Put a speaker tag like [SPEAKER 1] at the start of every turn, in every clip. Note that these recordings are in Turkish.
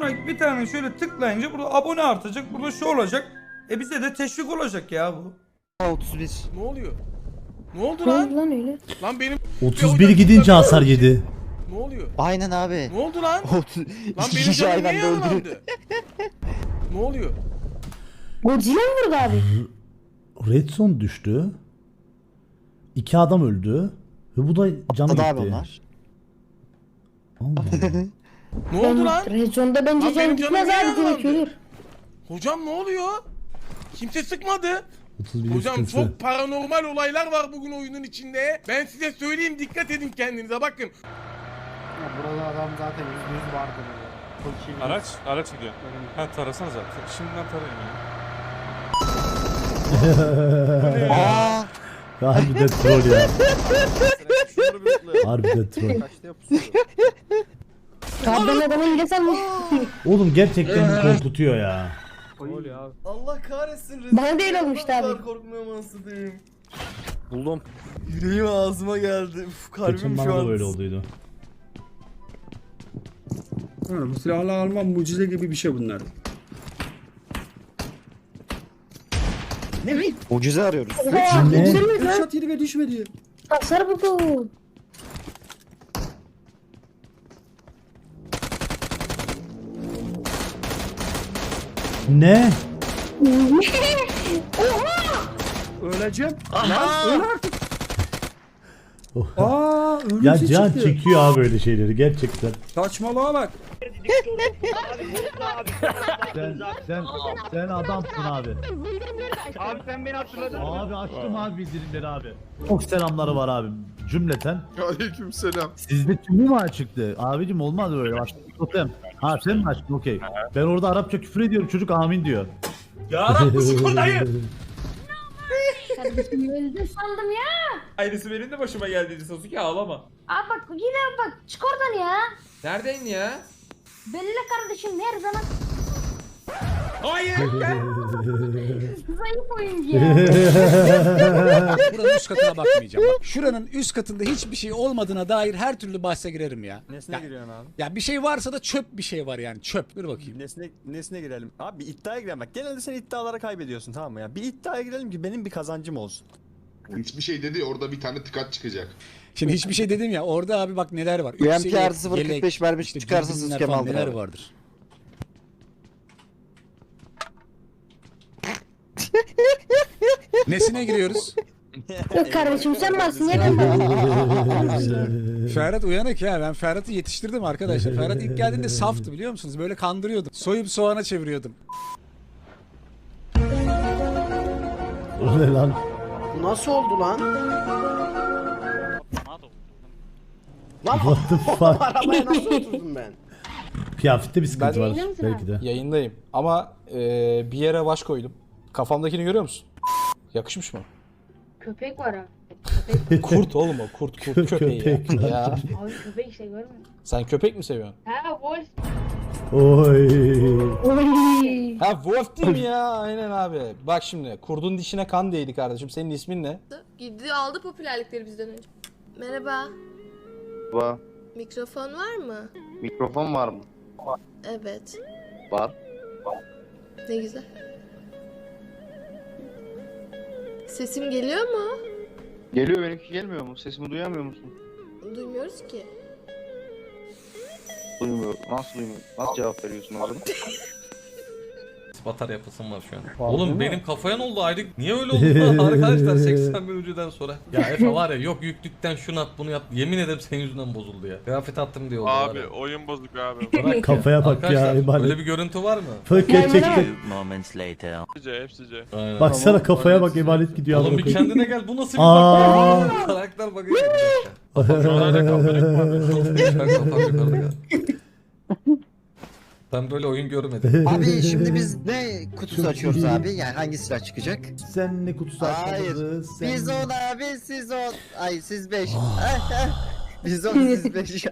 [SPEAKER 1] Şuna bir tane şöyle tıklayınca burada abone artacak. Burada şu olacak. Bize de teşvik olacak ya bu.
[SPEAKER 2] 31.
[SPEAKER 3] Ne oluyor? Ne oldu
[SPEAKER 4] Ne
[SPEAKER 3] lan?
[SPEAKER 4] oldu lan öyle?
[SPEAKER 3] Lan benim
[SPEAKER 5] 31 gidince hasar yedi.
[SPEAKER 3] ne oluyor?
[SPEAKER 2] Aynen abi.
[SPEAKER 3] Ne oldu lan?
[SPEAKER 2] 30.
[SPEAKER 3] Lan
[SPEAKER 2] İki
[SPEAKER 3] benim
[SPEAKER 2] kişi
[SPEAKER 3] canım
[SPEAKER 2] aynı
[SPEAKER 3] niye
[SPEAKER 2] anda öldü.
[SPEAKER 3] yaralandı? Ne oluyor?
[SPEAKER 4] Godzilla mı vurdu abi?
[SPEAKER 5] Redstone düştü. 2 adam öldü. Ve bu da canı
[SPEAKER 2] Atladı abi
[SPEAKER 5] gitti.
[SPEAKER 2] onlar.
[SPEAKER 5] Allah.
[SPEAKER 3] Ne oldu lan?
[SPEAKER 4] Rezonda bence
[SPEAKER 3] Lan
[SPEAKER 4] can
[SPEAKER 3] benim
[SPEAKER 4] gitmez
[SPEAKER 3] canım
[SPEAKER 4] abi
[SPEAKER 3] niye
[SPEAKER 4] direkt ölür.
[SPEAKER 3] Hocam ne oluyor? Kimse sıkmadı.
[SPEAKER 5] 31
[SPEAKER 3] Hocam
[SPEAKER 5] sıkıntı.
[SPEAKER 3] çok paranormal olaylar var bugün oyunun içinde. Ben size söyleyeyim, dikkat edin kendinize, bakın.
[SPEAKER 6] Ya burada adam zaten %100 vardı burada.
[SPEAKER 7] Araç gidiyor. Ha tarasana zaten. Şimdiden tarayın ya.
[SPEAKER 2] Aa!
[SPEAKER 5] Harbiden troll ya. Harbiden troll.
[SPEAKER 4] Abi ben adamın bile sanmış.
[SPEAKER 5] Oğlum gerçekten korkutuyor ya.
[SPEAKER 8] Allah kahretsin.
[SPEAKER 4] Bana değil olmuştu abi.
[SPEAKER 8] Korkmuyorum anasını diyeyim.
[SPEAKER 2] Buldum.
[SPEAKER 8] Yüreğim ağzıma geldi. Uf, kalbim
[SPEAKER 5] Geçen
[SPEAKER 8] şu
[SPEAKER 5] bana da
[SPEAKER 8] an.
[SPEAKER 5] böyle olduydu.
[SPEAKER 6] Bu silahla almam mucize gibi bir şey bunlar.
[SPEAKER 2] Mucize arıyoruz.
[SPEAKER 4] Oha
[SPEAKER 5] Ne?
[SPEAKER 4] düşürmüyor lan.
[SPEAKER 6] Headshot yedi ve düşmedi.
[SPEAKER 4] Hasar buldu.
[SPEAKER 5] Ne?
[SPEAKER 6] Öleceğim. Lan öl artık.
[SPEAKER 5] Oh.
[SPEAKER 6] Aa
[SPEAKER 5] Ya
[SPEAKER 6] ölümsüz
[SPEAKER 5] can
[SPEAKER 6] çıktı.
[SPEAKER 5] çekiyor abi böyle şeyleri gerçekten.
[SPEAKER 6] Saçmalığa bak.
[SPEAKER 5] Sen adamsın abi. Abi sen beni hatırladın. Abi açtım abi bildirimleri abi. Çok selamları var abi cümleten.
[SPEAKER 9] Aleykümselam.
[SPEAKER 5] Sizde tümü mü açıktı? Abicim olmaz böyle açtık totem. Ha sen mi açtın okey. Ben orada Arapça küfür ediyorum çocuk amin diyor.
[SPEAKER 1] Ya Rabbi sıkıntıyı.
[SPEAKER 4] Kardeşim öldü sandım ya.
[SPEAKER 1] Aynısı benim de başıma geldi Sasuke, ağlama.
[SPEAKER 4] Abi bak yine bak çık oradan ya.
[SPEAKER 1] Neredeyin ya?
[SPEAKER 4] Belli kardeşim her zaman
[SPEAKER 1] Hayır gel.
[SPEAKER 4] zayıf oyuncu ya.
[SPEAKER 10] Buranın üst katına bakmayacağım. Bak, şuranın üst katında hiçbir şey olmadığına dair her türlü bahse girerim ya.
[SPEAKER 2] Nesine
[SPEAKER 10] Ya-
[SPEAKER 2] giriyorsun abi?
[SPEAKER 10] Ya bir şey varsa da çöp bir şey var yani çöp. Dur bakayım.
[SPEAKER 2] Nesine girelim? Abi bir iddiaya girelim bak. Genelde sen iddialara kaybediyorsun tamam mı ya? Bir iddiaya girelim ki benim bir kazancım olsun.
[SPEAKER 9] Hiçbir şey dedi orada bir tane tıkat çıkacak.
[SPEAKER 10] Şimdi hiçbir şey dedim ya orada abi bak neler var.
[SPEAKER 2] UMP
[SPEAKER 10] Üst seviye
[SPEAKER 2] artı 0.45 vermiş
[SPEAKER 10] işte
[SPEAKER 2] çıkarsa
[SPEAKER 10] dürbünler
[SPEAKER 2] siz
[SPEAKER 10] falan
[SPEAKER 2] Kemal
[SPEAKER 10] neler
[SPEAKER 2] abi.
[SPEAKER 10] vardır. Nesine giriyoruz?
[SPEAKER 4] Yok kardeşim sen varsın ya ben varım.
[SPEAKER 10] Ferhat uyanık ya. Ben Ferhat'ı yetiştirdim arkadaşlar. Ferhat ilk geldiğinde saftı biliyor musunuz? Böyle kandırıyordum. Soyup soğana çeviriyordum.
[SPEAKER 5] O ne lan?
[SPEAKER 6] Nasıl oldu lan?
[SPEAKER 5] What the fuck?
[SPEAKER 6] Arabaya nasıl oturdum ben?
[SPEAKER 5] Kıyafette bir sıkıntı var
[SPEAKER 4] Yayında mısın
[SPEAKER 5] belki de.
[SPEAKER 11] Yayındayım ama bir yere baş koydum. Kafamdakini görüyor musun? Yakışmış mı?
[SPEAKER 4] Köpek var abi.
[SPEAKER 11] Kurt oğlum o kurt köpeği
[SPEAKER 5] Köpek
[SPEAKER 11] ya.
[SPEAKER 5] lan.
[SPEAKER 11] ya.
[SPEAKER 4] Abi köpek işte görmüyor musun?
[SPEAKER 11] Sen köpek mi seviyorsun?
[SPEAKER 4] Ha wolf.
[SPEAKER 5] Oy.
[SPEAKER 4] Oy.
[SPEAKER 11] Ha Wolf değil mi ya? Aynen abi. Bak şimdi kurdun dişine kan değdi kardeşim. Senin ismin ne?
[SPEAKER 12] Gitti aldı popülerlikleri bizden önce. Merhaba.
[SPEAKER 8] Var.
[SPEAKER 12] Mikrofon var mı?
[SPEAKER 8] Mikrofon var mı?
[SPEAKER 12] Evet.
[SPEAKER 8] Var.
[SPEAKER 12] Ne güzel. Sesim geliyor mu?
[SPEAKER 8] Geliyor, benimki gelmiyor mu? Sesimi duyamıyor musun?
[SPEAKER 12] Duymuyoruz ki.
[SPEAKER 8] Duymuyor. Nasıl duymuyor? Nasıl cevap veriyorsun o zaman?
[SPEAKER 1] Batar yapasım var şu an. Oğlum benim kafaya ne oldu ayrı? Niye öyle oldu lan arkadaşlar 80 bin önceden sonra? Ya Efe var ya yok yüklükten şunu at bunu yap. Yemin ederim senin yüzünden bozuldu ya. Kıyafet attım diye oldu var ya.
[SPEAKER 7] Oyun bozuk abi.
[SPEAKER 1] Bırak ya.
[SPEAKER 5] Kafaya bak ya,
[SPEAKER 1] Arkadaşlar,
[SPEAKER 5] emanet.
[SPEAKER 1] öyle bir görüntü var mı?
[SPEAKER 5] Bak gerçekten.
[SPEAKER 7] Hepsice.
[SPEAKER 1] Aynen.
[SPEAKER 5] Baksana kafaya bak emanet gidiyor.
[SPEAKER 1] Oğlum
[SPEAKER 5] amına
[SPEAKER 1] bir
[SPEAKER 5] koyayım.
[SPEAKER 1] kendine gel bu nasıl bir
[SPEAKER 5] Aa.
[SPEAKER 1] bak? Karakter bakıyor. Bir dakika. Kafam yukarıda gel. Ben böyle oyun görmedim.
[SPEAKER 2] Abi şimdi biz ne kutusu açıyoruz abi? Yani hangi silah çıkacak?
[SPEAKER 5] Sen ne kutusu
[SPEAKER 2] Hayır.
[SPEAKER 5] açmadınız? Sen...
[SPEAKER 2] Biz 10 abi siz 10. Ay siz 5. Biz 10 siz 5.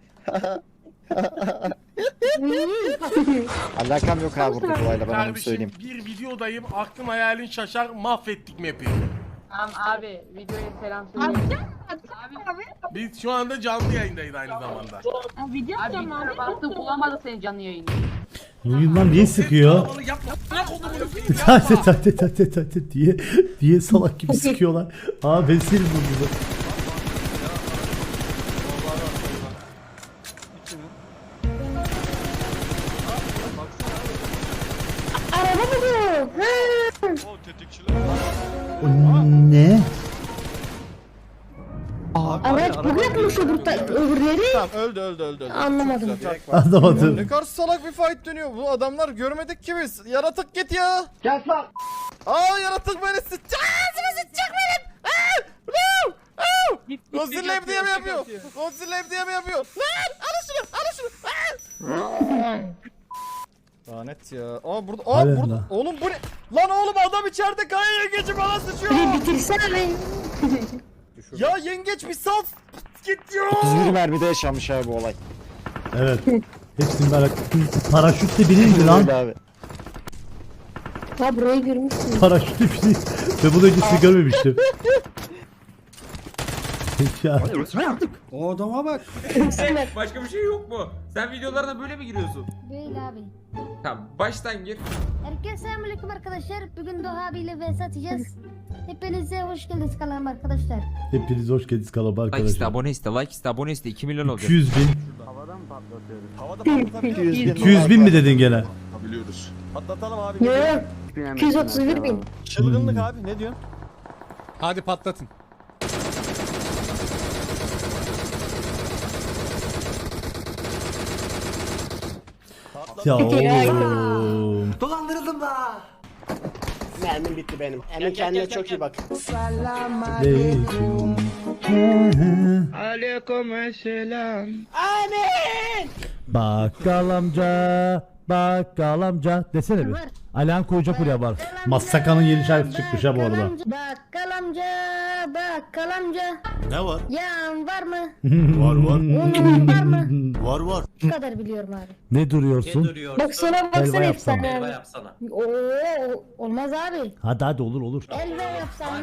[SPEAKER 2] Alakam yok abi burada olayla ben onu
[SPEAKER 3] Kardeşim
[SPEAKER 2] söyleyeyim.
[SPEAKER 3] bir videodayım, aklın hayalin şaşar, mahvettik map'i.
[SPEAKER 12] Tamam abi videoya selam söyle.
[SPEAKER 3] Biz şu anda canlı yayındayız aynı zamanda.
[SPEAKER 12] Video atacağım abi. Bastım bulamadı seni canlı yayında.
[SPEAKER 10] Oyundan niye sıkıyor?
[SPEAKER 3] Kalabalık yapma. Bırak onu bunu.
[SPEAKER 10] Tate diye salak gibi sıkıyorlar. Aa ben seni vurdum.
[SPEAKER 4] Araba mı bu?
[SPEAKER 10] Ne?
[SPEAKER 4] Araç bu yapmış öbürleri.
[SPEAKER 2] Tamam öldü.
[SPEAKER 4] Anlamadım.
[SPEAKER 10] Anlamadım.
[SPEAKER 2] Ne kadar salak bir fight dönüyor. Bu adamlar görmedik ki biz. Yaratık git ya. Gel lan. Yaratık beni sıçacak. Ağzımı sıçacak benim. Godzilla hep diye mi yapıyor? Godzilla hep diye mi yapıyor? Lan alın şunu. Lanet ya. Burada.
[SPEAKER 10] Halen
[SPEAKER 2] Burada.
[SPEAKER 10] la.
[SPEAKER 2] Oğlum bu ne? Lan oğlum adam içeride kaya yengeci bana sıçıyor.
[SPEAKER 4] Bir bitirsene beni.
[SPEAKER 2] Ya yengeç bir sal. Git ya.
[SPEAKER 6] 31 mermide yaşanmış abi bu olay.
[SPEAKER 10] Evet. Hepsini merak ettim. Paraşütle binildi lan.
[SPEAKER 6] Abi.
[SPEAKER 4] Ha burayı görmüşsün.
[SPEAKER 10] Paraşütle binildi. Ve bunu öncesini görmemiştim. Ya.
[SPEAKER 6] O adama bak.
[SPEAKER 7] Başka bir şey yok mu? Sen videolarına böyle mi giriyorsun?
[SPEAKER 4] Böyle abi.
[SPEAKER 7] Tamam baştan gir.
[SPEAKER 4] Herkese selamünaleyküm arkadaşlar. Bugün Doğa abiyle vs atacağız. Hepinize hoş geldiniz kanalıma arkadaşlar.
[SPEAKER 10] Hepiniz hoş geldiniz kanalıma
[SPEAKER 7] Like iste,
[SPEAKER 10] arkadaşlar.
[SPEAKER 7] abone iste, like iste, abone iste. 2 milyon olacak.
[SPEAKER 10] 200 bin.
[SPEAKER 2] Havada patlatabiliyor.
[SPEAKER 10] 200 bin mi dedin gene?
[SPEAKER 9] Biliyoruz.
[SPEAKER 2] Patlatalım abi.
[SPEAKER 4] Yok. 231 bin.
[SPEAKER 2] Çılgınlık abi ne diyorsun?
[SPEAKER 10] Hadi patlatın. Ya oğlum.
[SPEAKER 6] Dolandırıldım da. Mermim bitti benim. Emin kendine çok iyi bak.
[SPEAKER 5] Bakkal amca desene bir. Alihan Koca buraya var.
[SPEAKER 10] Massaka'nın yeni şarkısı çıkmış ha bu arada.
[SPEAKER 4] Bakkal amca.
[SPEAKER 6] Ne var?
[SPEAKER 4] Yağın var mı?
[SPEAKER 6] Var.
[SPEAKER 4] Unun var mı?
[SPEAKER 6] Var.
[SPEAKER 4] Bu kadar biliyorum abi.
[SPEAKER 5] Ne duruyorsun?
[SPEAKER 4] Bak sana
[SPEAKER 10] Helva
[SPEAKER 4] baksana
[SPEAKER 10] yapsana.
[SPEAKER 4] efsane abi. Oo olmaz abi.
[SPEAKER 5] Hadi olur.
[SPEAKER 4] Elve yapsana.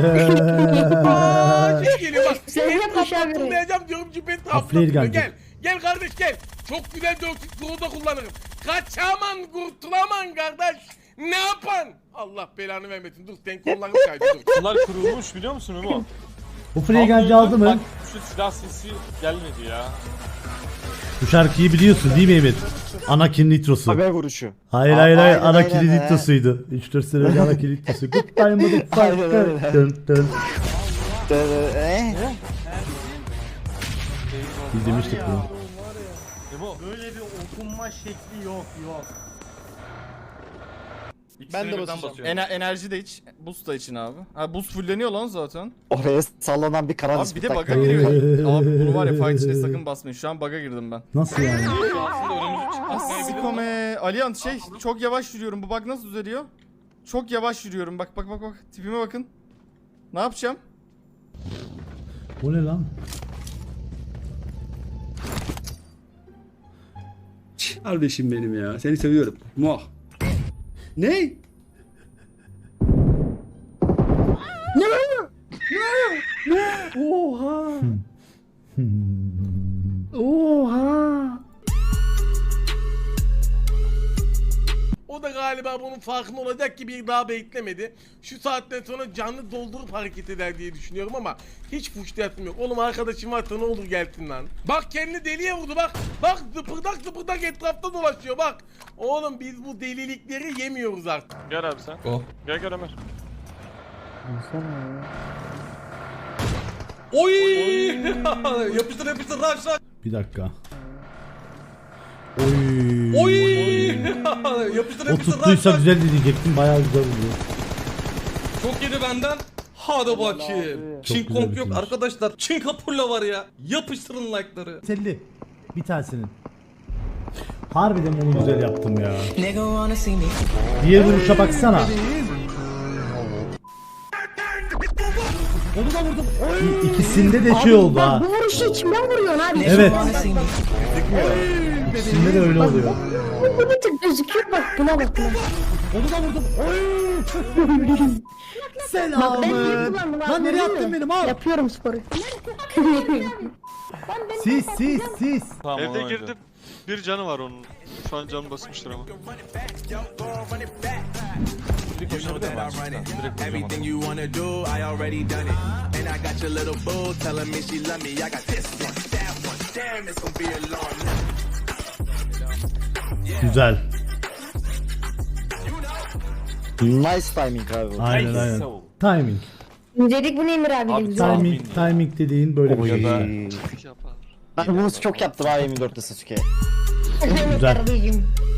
[SPEAKER 3] Şey geliyor bak.
[SPEAKER 4] Sen
[SPEAKER 3] Cüpet
[SPEAKER 4] yapmış abi.
[SPEAKER 3] hatırlayacağım diyorum Cüpet
[SPEAKER 10] Afleri
[SPEAKER 3] hatırlatıyor.
[SPEAKER 10] geldi.
[SPEAKER 3] Gel. Gel kardeş gel. Çok güzel 400 kurulda kullanırım. Kaçaman kurtulaman kardeş. Ne yapan? Allah belanı vermesin. Dur sen kollarını kaydı dur.
[SPEAKER 7] Bunlar kurulmuş biliyor musun Memo?
[SPEAKER 10] Bu Freegancı aldı mı?
[SPEAKER 7] Şu silah sesi gelmedi ya.
[SPEAKER 10] Bu şarkıyı biliyorsun değil mi Emir? Anakin Nitrosu.
[SPEAKER 6] Haber vuruşu.
[SPEAKER 10] Hayır.
[SPEAKER 6] Aynen,
[SPEAKER 10] Anakin
[SPEAKER 6] aynen.
[SPEAKER 10] Nitrosu'ydu. 3-4 sene önce Anakin Nitrosu. Good time
[SPEAKER 6] Aynen,
[SPEAKER 10] motherfucker.
[SPEAKER 6] aynen.
[SPEAKER 10] Dın. Biz demiştik bunu.
[SPEAKER 5] Böyle bir okunma şekli yok.
[SPEAKER 2] Ben de basacağım. Enerji de iç. Boost da için abi. Ha boost fulleniyor lan zaten.
[SPEAKER 6] Oraya sallanan bir karar
[SPEAKER 2] Abi bir de bug'a giriyor. Abi bunu var ya fight içinde sakın basmayın. Şu an bug'a girdim ben.
[SPEAKER 10] Nasıl yani?
[SPEAKER 2] Sikome. Alihan çok yavaş yürüyorum. Bu bug nasıl düzeliyor? Çok yavaş yürüyorum. Bak. Tipime bakın. Ne yapacağım?
[SPEAKER 10] O ne lan?
[SPEAKER 6] Kardeşim benim ya. Seni seviyorum. Muah. Ne?
[SPEAKER 3] O da galiba bunun farkında olacak ki bir daha beklemedi. Şu saatten sonra canlı doldurup hareket eder diye düşünüyorum ama hiç fuşlayatım yok. Oğlum arkadaşım varsa ne olur gelsin lan. Bak kendini deliye vurdu bak. Bak zıpırdak etrafta dolaşıyor bak. Oğlum biz bu delilikleri yemiyoruz artık.
[SPEAKER 7] Gel abi sen.
[SPEAKER 1] Oh.
[SPEAKER 7] Gel Ömer.
[SPEAKER 1] Oy! yapıştır rush.
[SPEAKER 10] Bir dakika. Oy.
[SPEAKER 1] Oy! yapıştır
[SPEAKER 10] O tuttuysa
[SPEAKER 1] rush.
[SPEAKER 10] güzel diyecektim. Bayağı güzel oluyor.
[SPEAKER 1] Çok yedi benden. Hadi bakayım. Çin
[SPEAKER 10] güzel
[SPEAKER 1] komp yok
[SPEAKER 10] bitirmiş.
[SPEAKER 1] arkadaşlar. Çin kapurla var ya. Yapıştırın like'ları.
[SPEAKER 10] 50. Bir tanesinin. Harbiden onu güzel yaptım ya. Diğer vuruşa baksana. Onu da vurdum. İkisinde de şey oldu ha.
[SPEAKER 4] Bu vuruşu içimden vuruyorsun abi.
[SPEAKER 10] Evet. İkisinde de öyle oluyor.
[SPEAKER 4] Bu bir tık gözüküyor bak buna bak buna.
[SPEAKER 10] Onu da vurdum. Selamın.
[SPEAKER 4] Ben niye kullandım abi,
[SPEAKER 10] Lan nereye
[SPEAKER 4] görüyor
[SPEAKER 10] attın
[SPEAKER 4] musun?
[SPEAKER 10] benim al.
[SPEAKER 4] Yapıyorum sporu.
[SPEAKER 10] Sis.
[SPEAKER 2] Evde girdim. Bir canı var onun. Şu an canı basmıştır ama.
[SPEAKER 10] Güzel.
[SPEAKER 2] Nice timing abi.
[SPEAKER 10] Aynen. Timing.
[SPEAKER 4] İncelik bu Emir abi.
[SPEAKER 10] Timing dediğin böyle bir şey.
[SPEAKER 2] Ben bunu çok yaptım abi M4'te Sasuke.
[SPEAKER 10] Güzel.
[SPEAKER 4] Kardeşim.